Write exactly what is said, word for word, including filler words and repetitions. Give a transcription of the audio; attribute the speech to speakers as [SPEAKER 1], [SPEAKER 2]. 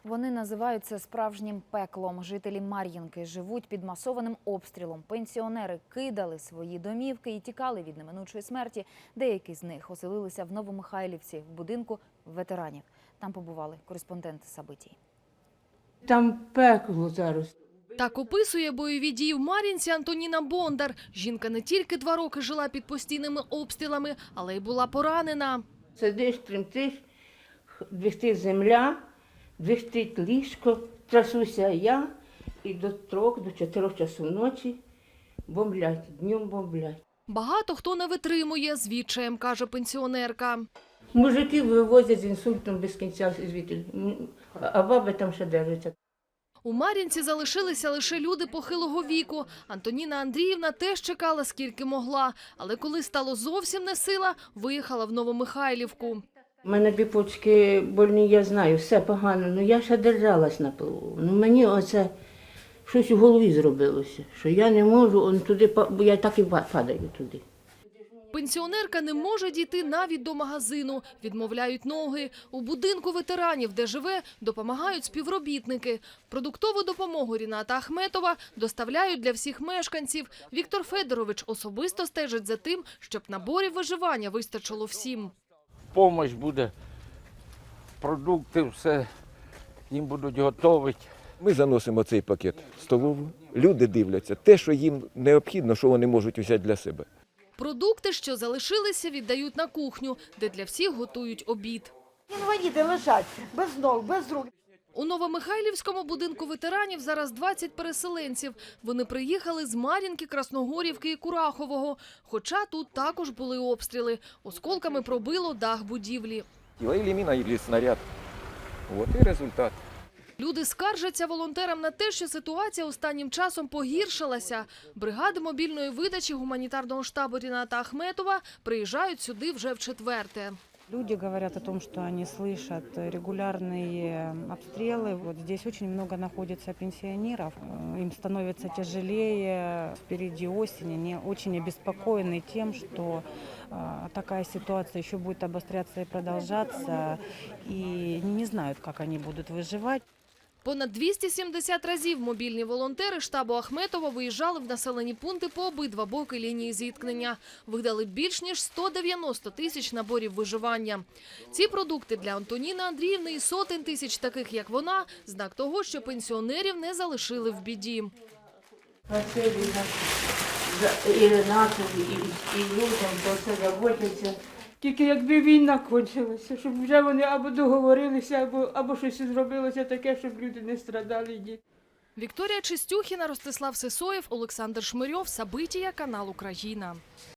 [SPEAKER 1] Вони називають це справжнім пеклом. Жителі Мар'їнки живуть під масованим обстрілом. Пенсіонери кидали свої домівки і тікали від неминучої смерті. Деякі з них оселилися в Новомихайлівці, в будинку ветеранів. Там побували кореспонденти Сабитій.
[SPEAKER 2] Там пекло зараз.
[SPEAKER 3] Так описує бойові дії в Мар'їнці Антоніна Бондар. Жінка не тільки два роки жила під постійними обстрілами, але й була поранена.
[SPEAKER 2] Сидиш, тремтиш, двихтить земля, двихтить ліжко, трасуся я, і до трьох, до чотирьох часу ночі бомблять, днем бомблять.
[SPEAKER 3] Багато хто не витримує, з відчаєм, каже пенсіонерка.
[SPEAKER 2] Мужиків вивозять з інсультом без кінця звідти, а баби там ще держаться.
[SPEAKER 3] У Мар'їнці залишилися лише люди похилого віку. Антоніна Андріївна теж чекала, скільки могла. Але коли стало зовсім не сила, виїхала в Новомихайлівку.
[SPEAKER 2] У мене дві почки больні, я знаю, все погано, але я ще держалась на плаву. Ну мені оце щось у голові зробилося, що я не можу, он туди, бо я так і падаю туди.
[SPEAKER 3] Пенсіонерка не може дійти навіть до магазину. Відмовляють ноги. У будинку ветеранів, де живе, допомагають співробітники. Продуктову допомогу Ріната Ахметова доставляють для всіх мешканців. Віктор Федорович особисто стежить за тим, щоб наборів виживання вистачило всім.
[SPEAKER 4] Помощь буде, продукти, все їм будуть готувати.
[SPEAKER 5] Ми заносимо цей пакет в столову, люди дивляться те, що їм необхідно, що вони можуть взяти для себе.
[SPEAKER 3] Продукти, що залишилися, віддають на кухню, де для всіх готують обід.
[SPEAKER 6] Інваліди лежать без ног, без рук.
[SPEAKER 3] У Новомихайлівському будинку ветеранів зараз двадцять переселенців. Вони приїхали з Мар'їнки, Красногорівки і Курахового. Хоча тут також були обстріли. Осколками пробило дах будівлі.
[SPEAKER 5] Или міна, или снаряд. От і результат.
[SPEAKER 3] Люди скаржаться волонтерам на те, що ситуація останнім часом погіршилася. Бригади мобільної видачі гуманітарного штабу Ріната Ахметова приїжджають сюди вже вчетверте.
[SPEAKER 7] Люди говорят о том, что они слышат регулярные обстрелы. Вот здесь очень много находится пенсионеров. Им становится тяжелее. Впереди осень. Они очень обеспокоены тем, что такая ситуация еще будет обостряться и продолжаться. И они не знают, как они будут выживать.
[SPEAKER 3] Понад двісті сімдесят разів мобільні волонтери штабу Ахметова виїжджали в населені пункти по обидва боки лінії зіткнення. Видали більш ніж сто дев'яносто тисяч наборів виживання. Ці продукти для Антоніни Андріївни і сотень тисяч таких, як вона, знак того, що пенсіонерів не залишили в біді.
[SPEAKER 2] Спасибі і Ренатові, і, і людям, бо це заботяться.
[SPEAKER 6] Тільки якби війна кончилася, щоб вже вони або договорилися, або, або щось зробилося таке, щоб люди не страдали. Діти.
[SPEAKER 3] Вікторія Чистюхіна, Ростислав Сисоєв, Олександр Шмирьов, Сабитія, канал Україна.